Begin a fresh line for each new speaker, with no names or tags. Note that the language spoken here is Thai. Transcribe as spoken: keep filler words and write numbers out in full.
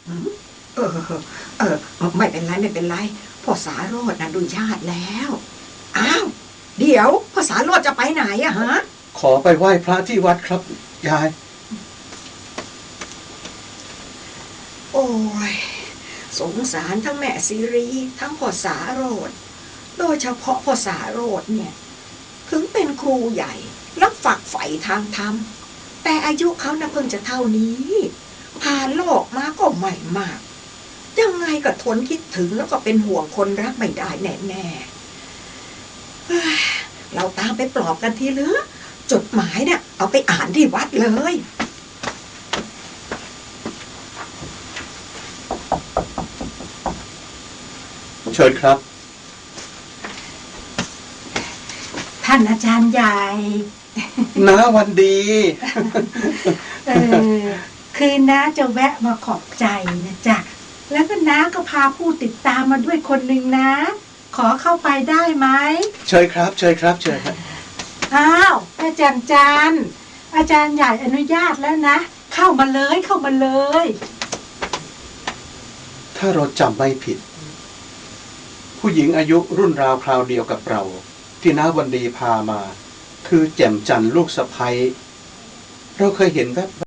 เออเออไม่เป็นไรไม่เป็นไรพ่อสาโรจน์อนุญาตแล้วอ้าวเดี๋ยวพ่อสาโรจน์จะไปไหนอะฮะ
ขอไปไหว้พระที่วัดครับยาย
โอ้ยสงสารทั้งแม่ซีรีทั้งพ่อสาโรจน์โดยเฉพาะพ่อสาโรจน์เนี่ยถึงเป็นครูใหญ่แล้วฝักใฝ่ทางธรรมแต่อายุเขาน่ะเพิ่งจะเท่านี้ผ่านโลกมาก็ใหม่มากยังไงก็ทนคิดถึงแล้วก็เป็นห่วงคนรักไม่ได้แน่ๆเราตามไปปลอบกันทีเหลือจดหมายเนี่ยเอาไปอ่านที่วัดเลย
เชิญครับ
ท่านอาจารย์ใหญ่
น้าวันดี
เออคือน้าจะแวะมาขอบใจนะจ๊ะแล้วก็น้าก็พาผู้ติดตามมาด้วยคนหนึ่งนะขอเข้าไปได้ไหม
เชิญครับเชิญครับเชิญครับ
อ้าวอาจารย์จันอาจารย์ใหญ่อนุญาตแล้วนะเข้ามาเลยเข้ามาเลย
ถ้าเราจำไม่ผิดผู้หญิงอายุรุ่นราวคราวเดียวกับเราที่น้าวันดีพามาคือแจ่มจันทร์ลูกสะใภ้เราเคยเห็นแวบ